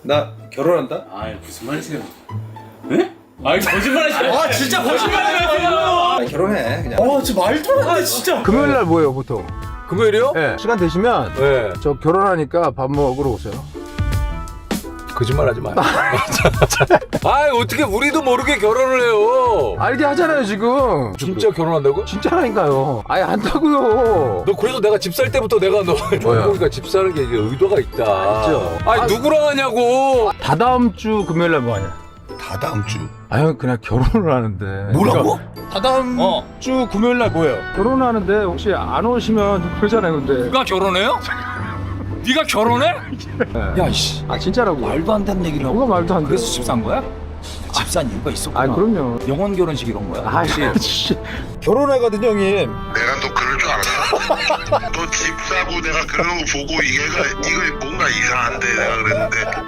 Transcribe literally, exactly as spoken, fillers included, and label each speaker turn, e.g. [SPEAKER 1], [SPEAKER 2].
[SPEAKER 1] 나 결혼한다?
[SPEAKER 2] 아이 무슨 말이세요? 에? 아이 거짓말하시네.
[SPEAKER 1] 아 진짜 거짓말이야. 아, 결혼해 그냥.
[SPEAKER 2] 아 진짜 말도 안 돼 진짜.
[SPEAKER 3] 금요일 날 뭐예요 보통?
[SPEAKER 4] 금요일이요?
[SPEAKER 3] 네. 시간 되시면
[SPEAKER 4] 네.
[SPEAKER 3] 저 결혼하니까 밥 먹으러 오세요.
[SPEAKER 4] 거짓말하지 마요. 아 어떻게 우리도 모르게 결혼을 해요?
[SPEAKER 3] 알게 하잖아요 지금.
[SPEAKER 4] 진짜 결혼한다고?
[SPEAKER 3] 진짜라니까요. 아예 한다고요.
[SPEAKER 4] 너 그래서 내가 집 살 때부터 내가 너 종국이가 집 사는 게 이게 의도가 있다.
[SPEAKER 3] 있죠.
[SPEAKER 4] 아니
[SPEAKER 3] 아,
[SPEAKER 4] 누구랑 하냐고.
[SPEAKER 3] 다다음 주 금요일 날 뭐 하냐?
[SPEAKER 5] 다다음 주.
[SPEAKER 3] 아유 그냥 결혼을 하는데.
[SPEAKER 5] 뭐라고?
[SPEAKER 3] 다다음
[SPEAKER 4] 어.
[SPEAKER 3] 주 금요일 날 뭐예요? 결혼을 하는데 혹시 안 오시면 좀 그러잖아요 근데.
[SPEAKER 4] 네가 결혼해요? 네가 결혼해?
[SPEAKER 2] 야씨
[SPEAKER 3] 아 진짜라고.
[SPEAKER 2] 말도 안 되는 얘기를 하고.
[SPEAKER 3] 뭐가 말도 안 돼.
[SPEAKER 2] 그래서 집 산 거야? 집 산 이유가 있었구나.
[SPEAKER 3] 아 그럼요.
[SPEAKER 2] 영혼 결혼식 이런 거야.
[SPEAKER 3] 아 씨. 결혼하거든 형님.
[SPEAKER 5] 내가 너 그럴 줄 알았어. 너 집 사고 내가 그런 거 보고 이게가 이거 뭔가 이상한데 내가 그랬는데